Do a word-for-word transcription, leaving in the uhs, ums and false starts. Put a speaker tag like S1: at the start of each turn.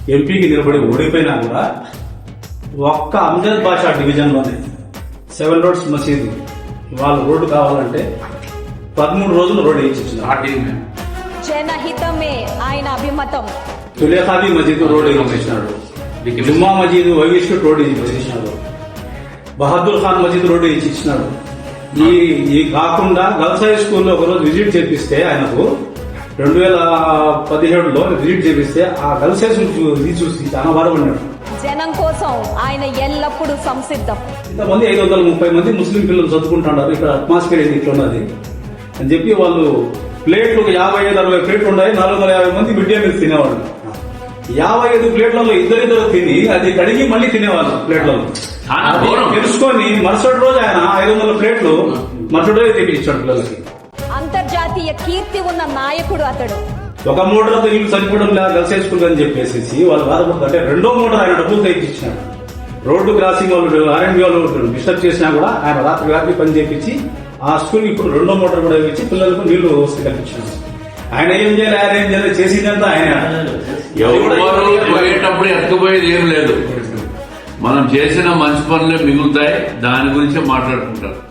S1: ఎంపీకి నిలబడి ఓడిపోయినా కూడా ఒక్క అమ్జద్ బాషా డివిజన్లోనే సెవెన్ రోడ్స్ మసీదు వాళ్ళు రోడ్డు కావాలంటే పదమూడు రోజులు రోడ్డు వేయించారు.
S2: జనహితమే ఆయన అభిమతం.
S1: తులేఖాబీ మసీదు రోడ్డు వేయించినాడు, జుమ్మా మసీదు వైవిష్ణు రోడ్డు వేయించినాడు, బహదూర్ ఖాన్ మసీద్ రోడ్డు వేయించినాడు. ఈ ఈ కాకుండా గర్ల్స్ హై స్కూల్లో ఒకరోజు విజిట్ చేపిస్తే ఆయనకు రెండు వేల పదిహేడులో విజిట్ చేపిస్తే ఆ గర్ల్స్ హై స్కూల్ చూసి చాలా బాధపడినాడు.
S2: జనం కోసం ఆయన ఎల్లప్పుడూ సంసిద్ధం.
S1: ఇంతమంది ఐదు వందల ముప్పై మంది ముస్లిం పిల్లలు చదువుకుంటున్నారు, ఇక్కడ అట్మాస్ఫియర్ ఏంది ఇట్లా ఉన్నది అని చెప్పి వాళ్ళు ప్లేట్లు యాభై ఐదు అరవై ప్లేట్లు ఉన్నాయి, నాలుగు వందల యాభై మంది మిడ్ డే మీల్స్ తినేవాళ్ళు. యాభై ఐదు ప్లేట్లలో ఇద్దరిద్దరు తిని అది కడిగి మళ్ళీ తినేవాళ్ళు ప్లేట్లలో. తెలుసుకొని మరుసటి రోజు ఆయన ఐదు వందల ప్లేట్లు మరుసటి రోజు తెప్పించాడు పిల్లలకి.
S2: అంతర్జాతీయ కీర్తి ఉన్న నాయకుడు అతడు.
S1: ఒక మోటార్తో ఇల్లు చనిపోవడం లేదా గర్ల్స్ హై స్కూల్ అని చెప్పేసి వాళ్ళు బాధపడుతుంటే రెండో మోటార్ ఆయన డబ్బులు తెప్పించినాడు. రోడ్డు క్రాసింగ్ వాళ్ళు ఆర్ఎండ్బి వాళ్ళు డిస్టర్బ్ చేసినా కూడా ఆయన రాత్రి రాత్రి పని చేపించి ఆ స్కూల్ ఇప్పుడు రెండో మోటార్ కూడా ఇచ్చి పిల్లలకు నీళ్లు వస్తే కల్పించినాడు. ఆయన ఏం చేయాలి, ఆయన ఏం చేయాలి, చేసిందంతా ఆయన.
S3: పోయేటప్పుడు ఎత్తుకుపోయేది ఏం లేదు, మనం చేసిన మంచి పనులే మిగులుతాయి, దాని గురించి మాట్లాడుకుంటారు.